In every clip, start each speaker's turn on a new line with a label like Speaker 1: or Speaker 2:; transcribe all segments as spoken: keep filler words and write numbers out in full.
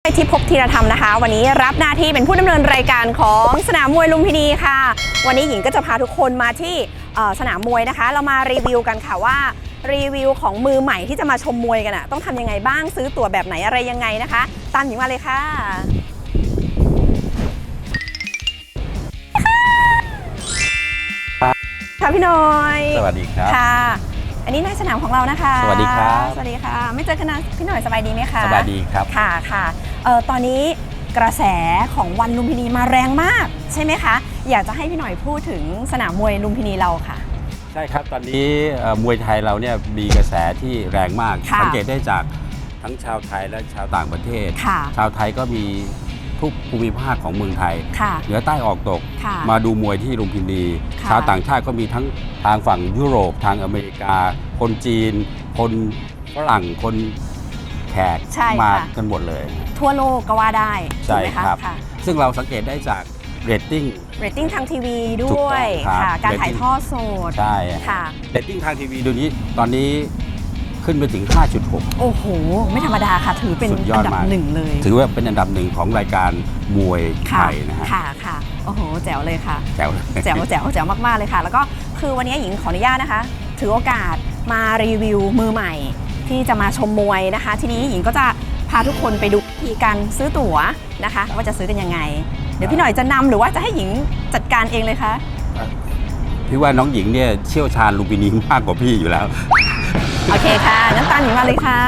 Speaker 1: ทิพย์ภพธีรธรรมนะคะวันนี้รับหน้าที่เป็นผู้ดำเนินรายการของสนามมวยลุมพินีค่ะวันนี้หญิงก็จะพาทุกคนมาที่สนามมวยนะคะเรามารีวิวกันค่ะว่ารีวิวของมือใหม่ที่จะมาชมมวยกันอะต้องทำยังไงบ้างซื้อตั๋วแบบไหนอะไรยังไงนะคะตามหญิงมาเลยค่ะค่ะพี่น้อย
Speaker 2: สวัสดีครับ
Speaker 1: ค่ะอันนี้นายสนามของเรานะคะ
Speaker 2: สวัสดีครับ
Speaker 1: สวัสดีค่ะไม่เจอกันนะพี่หน่อยสบายดีไหมคะ
Speaker 2: สบายดีครับ
Speaker 1: ค่ะค่ะเอ่อตอนนี้กระแสของวันลุมพินีมาแรงมากใช่ไหมคะอยากจะให้พี่หน่อยพูดถึงสนามมวยลุมพินีเราค่ะ
Speaker 2: ใช่ครับตอนนี้มวยไทยเราเนี่ยมีกระแสที่แรงมากสังเกตได้จากทั้งชาวไทยและชาวต่างประเทศชาวไทยก็มีทุกภูมิภาคของเมืองไทยเหนือใต้ออกตกมาดูมวยที่ลุมพินีชาวต่างชาติก็มีทั้งทางฝั่งยุโรปทางอเมริกาคนจีนคนฝรั่งคนแขกมากันหมดเลย
Speaker 1: ทั่วโลกก็ว่าได้
Speaker 2: ใช่ครับซึ่งเราสังเกตได้จากเรตติ้ง
Speaker 1: เรตติ้งทางทีวีด้วยค่ะการถ่ายทอดสด
Speaker 2: ใช่ค่ะเรตติ้งทางทีวีดูนี้ตอนนี้ขึ้นไปถึง ห้าจุดหก
Speaker 1: โอ้โหไม่ธรรมดาค่ะถือเป็นอันดับหนึ่งเลย
Speaker 2: ถือว่าเป็นอันดับหนึ่งของรายการมวยไทยนะฮะ
Speaker 1: ค่ะค่ะโอ้โหแจ๋วเลยค่ะ
Speaker 2: แจ๋ว
Speaker 1: แจ๋วแจ๋วแจ๋วมากๆเลยค่ะแล้วก็คือวันนี้หญิงขออนุญาตนะคะถือโอกาสมารีวิวมือใหม่ที่จะมาชมมวยนะคะทีนี้หญิงก็จะพาทุกคนไปดูวิธีการซื้อตั๋วนะคะว่าจะซื้อกันยังไงเดี๋ยวพี่หน่อยจะนำหรือว่าจะให้หญิงจัดการเองเลยคะ
Speaker 2: พี่ว่าน้องหญิงเนี่ยเชี่ยวชาญลุมพินีมากกว่าพี่อยู่แล้ว
Speaker 1: โอเคค่ะงั้นตามหญิงมาเลยค่ะ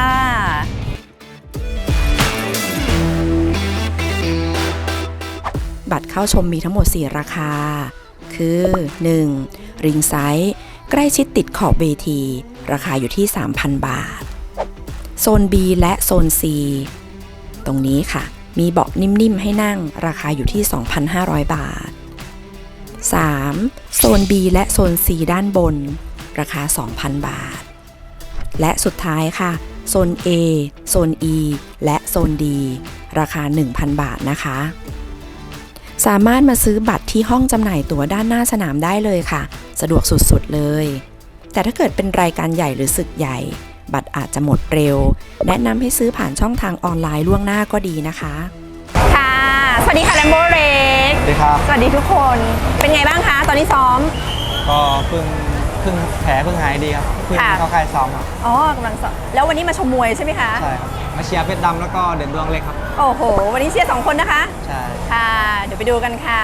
Speaker 1: บัตรเข้าชมมีทั้งหมดสี่ราคาคือ หนึ่ง ริงไซส์ใกล้ชิดติดขอบเวทีราคาอยู่ที่ สามพัน บาทโซน B และโซน C ตรงนี้ค่ะมีเบาะนิ่มๆให้นั่งราคาอยู่ที่ สองพันห้าร้อย บาท สาม โซน B และโซน C ด้านบนราคา สองพัน บาทและสุดท้ายค่ะโซน A โซน E และโซน D ราคา หนึ่งพัน บาทนะคะสามารถมาซื้อบัตรที่ห้องจำหน่ายตั๋วด้านหน้าสนามได้เลยค่ะสะดวกสุดๆเลยแต่ถ้าเกิดเป็นรายการใหญ่หรือศึกใหญ่บัตรอาจจะหมดเร็วแนะนำให้ซื้อผ่านช่องทางออนไลน์ล่วงหน้าก็ดีนะคะค่ะสวัสดีค่ะแลมโบเรก
Speaker 3: สวัสดีครับ
Speaker 1: สวัสดีทุกคนเป็นไงบ้างคะตอนนี้ซ้อม
Speaker 3: ก็เพิ่งเพิ่งแผลเพิ่งหายดีครับเพิ่งเข้าค่ายซ้อมครับ
Speaker 1: อ๋อกำลังซ้อมแล้ววันนี้มาชมมวยใช่ไหมคะ
Speaker 3: ใช่ครับมาเชียร์เพชรดำแล้วก็เด่นดวงเล็กครับ
Speaker 1: โอ้โหวันนี้เชียร์สองคนนะคะ
Speaker 3: ใช่
Speaker 1: ค่ะเดี๋ยวไปดูกันค่ะ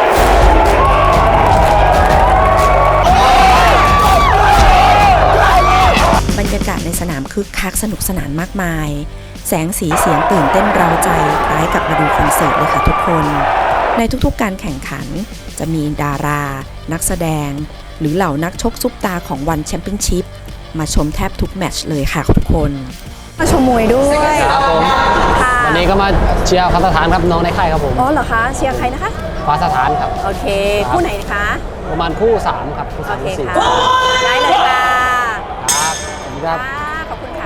Speaker 1: บรรยากาศในสนามคึกคักสนุกสนานมากมายแสงสีเสียงตื่นเต้นเร้าใจคล้ายกับมาดูคอนเสิร์ตเลยค่ะทุกคนในทุกๆการแข่งขันจะมีดารานักแสดงหรือเหล่านักชกซุปตาของวันแชมเปี้ยนชิพมาชมแทบทุกแมตช์เลยค่ะทุกคนมาชมมวยด้วย
Speaker 4: ครับผมวันนี้ก็มาเชียร์ฟ้าสถานครับน้องในค่ายครับผม
Speaker 1: อ๋อเหรอคะเชียร์ใครนะคะ
Speaker 4: ฟ้าสถานครับ
Speaker 1: โอเคคู่ไหนคะ
Speaker 4: ประมาณคู่สามครับคู่สามคู่สี่
Speaker 1: ได้เลยค่ะ
Speaker 4: ครับครับ
Speaker 1: ขอบคุณค่ะ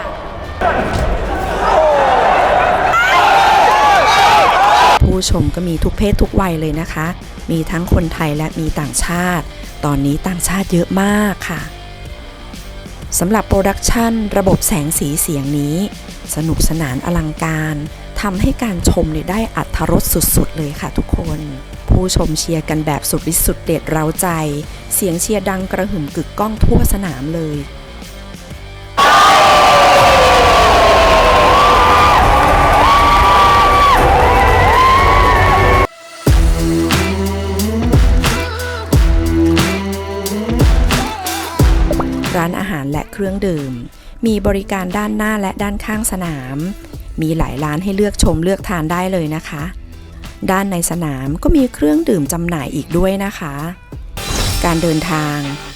Speaker 1: ผู้ชมก็มีทุกเพศทุกวัยเลยนะคะมีทั้งคนไทยและมีต่างชาติตอนนี้ต่างชาติเยอะมากค่ะสำหรับโปรดักชันระบบแสงสีเสียงนี้สนุกสนานอลังการทำให้การชมได้อรรถรสสุดๆเลยค่ะทุกคนผู้ชมเชียร์กันแบบสุดฤทธิ์สุดเด็ดเร้าใจเสียงเชียร์ดังกระหึ่มกึกก้องทั่วสนามเลยร้านอาหารและเครื่องดื่มมีบริการด้านหน้าและด้านข้างสนามมีหลายร้านให้เลือกชมเลือกทานได้เลยนะคะด้านในสนามก็มีเครื่องดื่มจำหน่ายอีกด้วยนะคะการเดินทาง